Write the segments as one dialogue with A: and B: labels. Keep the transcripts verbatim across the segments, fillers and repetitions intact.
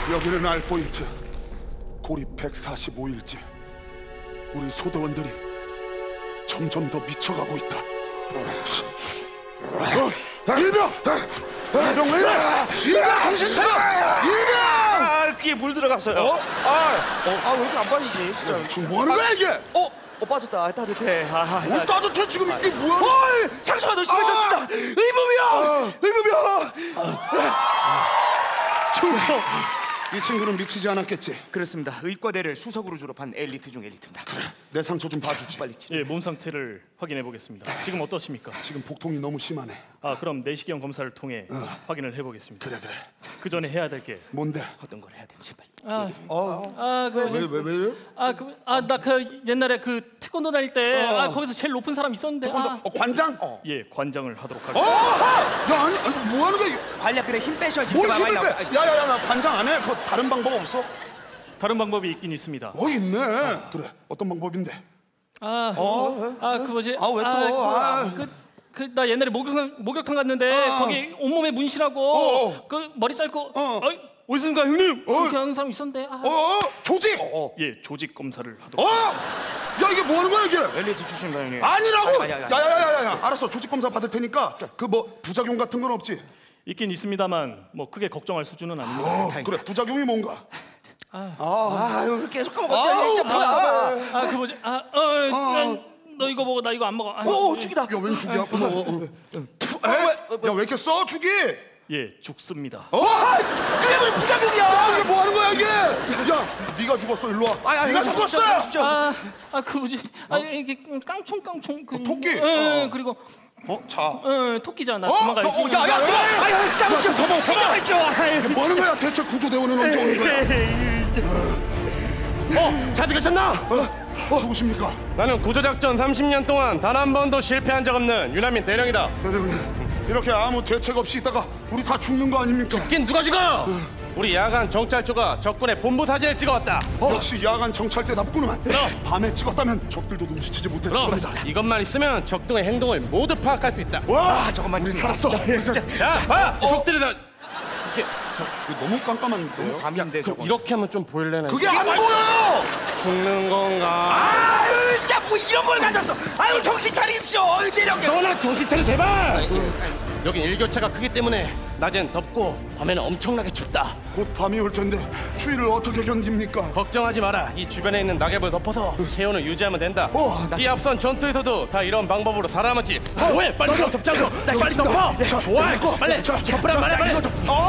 A: 여기는 알포인트. 고립 백사십오 일째. 우리 소대원들이 점점 더 미쳐가고 있다. 어, 일병! 일병 왜 이래? 일병 정신 차려! 일병!
B: 아, 귀에 물 들어갔어요. 어? 아, 어, 아, 왜 이렇게 안 빠지지? 진짜.
A: 지금 뭐 하는 거야 이게?
B: 어? 어, 빠졌다. 아, 따뜻해. 아,
A: 뭘 따뜻해 지금 이게 뭐야?
B: 어, 상처가 더 심해졌습니다.
A: 아!
B: 의무병! 의무병! 충성!
A: 이 친구는 미치지 않았겠지?
B: 그렇습니다. 의과대를 수석으로 졸업한 엘리트 중 엘리트입니다. 그래.
A: 내 상처 좀 봐주지.
B: 빨리 치료.
C: 예, 몸 상태를 확인해 보겠습니다. 지금 어떠십니까?
A: 지금 복통이 너무 심하네.
C: 아, 그럼 내시경 검사를 통해
A: 어.
C: 확인을 해 보겠습니다.
A: 그래 그래.
C: 그 전에 해야 될 게
A: 뭔데?
B: 어떤 걸 해야 되는지 빨리.
C: 아,
A: 어.
C: 아, 그
A: 왜 왜 왜 이래?
C: 아, 그, 아, 나 그 옛날에 그 태권도 다닐 때
A: 어.
C: 아, 거기서 제일 높은 사람 있었는데.
A: 태권도
C: 아,
A: 어, 관장? 어.
C: 예, 관장을 하도록
A: 어!
C: 하겠습니다.
A: 야 아니, 아니 뭐 하는 거야? 이거?
B: 관략근에 힘 빼셔야지.
A: 뭘
B: 많이
A: 힘을
B: 나와.
A: 빼? 야야야 나 관장 안 해. 그 다른 방법 없어?
C: 다른 방법이 있긴 있습니다.
A: 어 있네. 그래 어떤 방법인데?
C: 아,
A: 어?
C: 아, 그 뭐지?
A: 아, 왜 또? 아.
C: 그, 그, 그, 나 옛날에 목욕탕, 목욕탕 갔는데
A: 어.
C: 거기 온몸에 문신하고
A: 어.
C: 그 머리 짧고
A: 어.
C: 어이, 어디선가 형님?
A: 어.
C: 그렇게 하는 사람 있었는데. 아.
A: 어, 어 조직.
B: 어.
C: 예, 조직 검사를
A: 어?
C: 하도록 하겠습니다.
A: 야 이게 뭐 하는 거야 이게?
B: 엘리트 출신입니다, 형님.
A: 아니라고.
B: 아니, 아니, 아니.
A: 야야야야야. 알았어 조직 검사 받을 테니까 그 뭐 부작용 같은 건 없지?
C: 있긴 있습니다만 뭐 크게 걱정할 수준은 아닙니다.
A: 어 그래 부작용이 뭔가?
B: 아유, 계속 까먹었다.
A: 아우,
B: 진짜 뭐야.
C: 아, 그 뭐지? 아, 어, 어, 너 이거 먹어, 나 이거 안 먹어. 아,
B: 오, 죽이다.
A: 야웬 죽이야? 어머 어, 어. 에? 야왜 이렇게 써 죽이?
C: 예, 죽습니다.
A: 어?
B: 그게 무슨 부작용이야?
A: 야 이게 뭐 하는 거야 이게? 야 네가 죽었어 일로 와.
B: 아니, 아니,
A: 네가
B: 아니,
A: 죽었어.
B: 진짜, 진짜.
C: 아, 아, 그 뭐지? 아, 이게 깡총 깡총 그
A: 어, 토끼?
C: 예,
A: 어.
C: 그리고
A: 어 자.
C: 어, 토끼잖아.
A: 어?
C: 도망가야지.
A: 어, 야, 야,
B: 야, 야, 아유, 짜고
A: 좀 접어, 접어.
B: 진정했죠.
A: 뭐 하는 거야 대체 구조대원은 언제 오는 거야?
D: 어, 잘 들으셨나?
A: 어, 누구십니까?
D: 나는 구조작전 삼십 년 동안 단 한 번도 실패한 적 없는 유남민 대령이다.
A: 대령님 이렇게 아무 대책 없이 있다가 우리 다 죽는 거 아닙니까?
D: 죽긴 누가 죽어? 우리 야간 정찰조가 적군의 본부 사진을 찍어왔다.
A: 역시 야간 정찰대답구만. 밤에 찍었다면 적들도 눈치채지 못했을
D: 그럼
A: 겁니다.
D: 이것만 있으면 적등의 행동을 모두 파악할 수 있다.
A: 와
B: 아, 저것만
A: 우리
B: 있으면.
A: 살았어.
D: 자, 봐! 적들이 다
A: 이거 너무 깜깜한데요?
B: 밤인데
D: 그럼
B: 저거.
D: 이렇게 하면 좀 보일래나?
A: 그게 안 보여요.
D: 죽는 건가?
B: 아유, 진짜 뭐 이런 걸 가졌어. 아유, 정신 차리십시오. 어이, 대령님.
D: 너나 정신 차려 제발! 여긴 일교차가 크기 때문에 낮엔 덥고 밤에는 엄청나게 춥다.
A: 곧 밤이 올 텐데 추위를 어떻게 견딥니까?
D: 걱정하지 마라. 이 주변에 있는 낙엽을 덮어서 체온을 유지하면 된다.
A: 어,
D: 이 앞선 전투에서도 다 이런 방법으로 살아남았지. 왜? 빨리 덮 덮자고. 빨리 덮어. 좋아. 빨리 덮으란 말이야 빨리.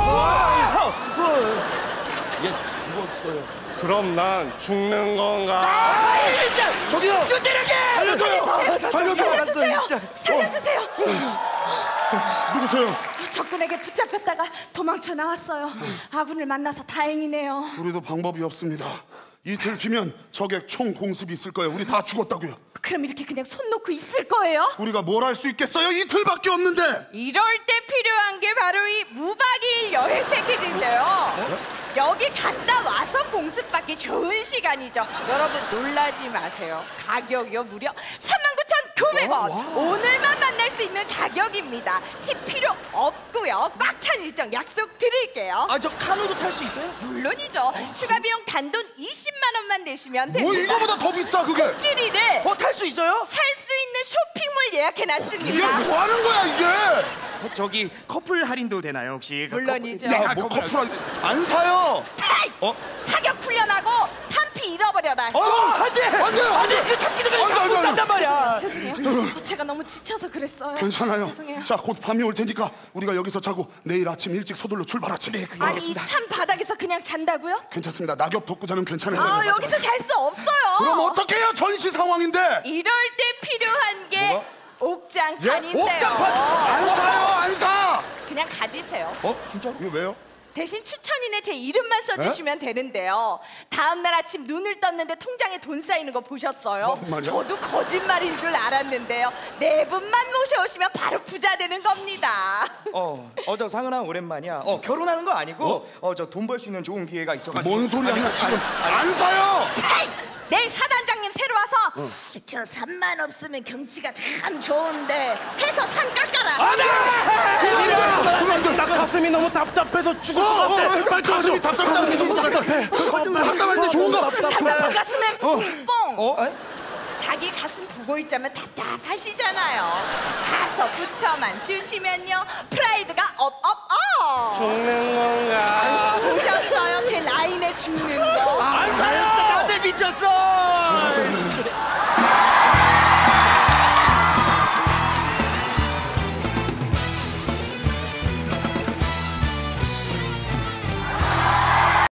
D: 그럼 난 죽는 건가?
A: 저기요. 살려줘요. 살려줘요.
E: 살려주세요! 살려주세요!
A: 누구세요?
E: 적군에게 붙잡혔다가 도망쳐 나왔어요. 아군을 만나서 다행이네요.
A: 우리도 방법이 없습니다. 이틀 뒤면 적의 총 공습이 있을 거예요. 우리 다 죽었다고요.
E: 그럼 이렇게 그냥 손 놓고 있을 거예요?
A: 우리가 뭘 할 수 있겠어요? 이틀밖에 없는데.
F: 이럴 때 필요한 게 바로 이 무박이일 여행 패키지인데요. 여기 갔다 와서 공습받기 좋은 시간이죠. 여러분 놀라지 마세요. 가격이요 무려 삼만 구천구백 원. 오늘만 만날 수 있는 가격입니다. 팁 필요 없고요. 꽉 찬 일정 약속 드릴게요.
B: 아, 저 카누도 탈 수 있어요?
F: 물론이죠. 추가 비용 단돈 이십만 원만 내시면
A: 뭐
F: 됩니다.
A: 이거보다 더 비싸 그게.
F: 끼리를
B: 어, 탈 수 있어요?
F: 살 수 있는 쇼핑몰 예약해놨습니다.
A: 이게 뭐 하는 거야 이게?
B: 어, 저기 커플 할인도 되나요 혹시? 그
F: 물론이죠.
B: 커플-
A: 야, 뭐 커플 안 사요.
F: 타이!
A: 어?
F: 사격 훈련하고 탄피 잃어버려라.
A: 어, 안돼, 안돼, 안돼.
B: 그 탑기도 그냥 잡고 짠단 말이야.
E: 죄송해요. 제가 너무 지쳐서 그랬어요.
A: 괜찮아요.
E: 죄송해요.
A: 자, 곧 밤이 올 테니까 우리가 여기서 자고 내일 아침 일찍 서둘러 출발하지. 네,
E: 아니 이 찬 바닥에서 그냥 잔다고요?
A: 괜찮습니다. 낙엽 덮고 자는 괜찮아요.
F: 아, 여기서 잘 수 없어요.
A: 그럼 어떻게 해요? 전시 상황인데.
F: 이럴 때 필요한 게
A: 뭐가?
F: 옥장판인데요.
A: 옥장판 안 사요, 안 사.
F: 그냥 가지세요.
A: 어, 진짜? 이거 왜요?
F: 대신 추천인에 제 이름만 써주시면 되는데요. 다음 날 아침 눈을 떴는데 통장에 돈 쌓이는 거 보셨어요?
A: 정말요?
F: 저도 거짓말인 줄 알았는데요. 네 분만 모셔오시면 바로 부자 되는 겁니다.
B: 어, 어, 저 상은아 오랜만이야. 어, 결혼하는 거 아니고, 어, 저 돈 벌 수 있는 좋은 기회가 있어가지고.
A: 뭔 소리
B: 아니,
A: 하냐 지금?
B: 아니,
A: 안 사요.
F: 헤이! 내일 사단장님 새로 와서 저 산만 없으면 경치가 참 좋은데 해서 산 깎아라.
A: 그만 좀, 그만 좀.
D: 가슴이 너무 답답해서 죽을 것 같아. 빨리 도와줘.
A: 가슴이 답답하다 죽을 것 같아. 답답할 때 좋은 거.
F: 답답한 가슴에 뽕뽕.
B: 어? 에?
F: 자기 가슴 보고 있자면 답답하시잖아요. 가서 붙여만 주시면요 프라이드가 업업업.
D: 죽는 건가?
F: 보셨어요? 제 라인에 죽는 거.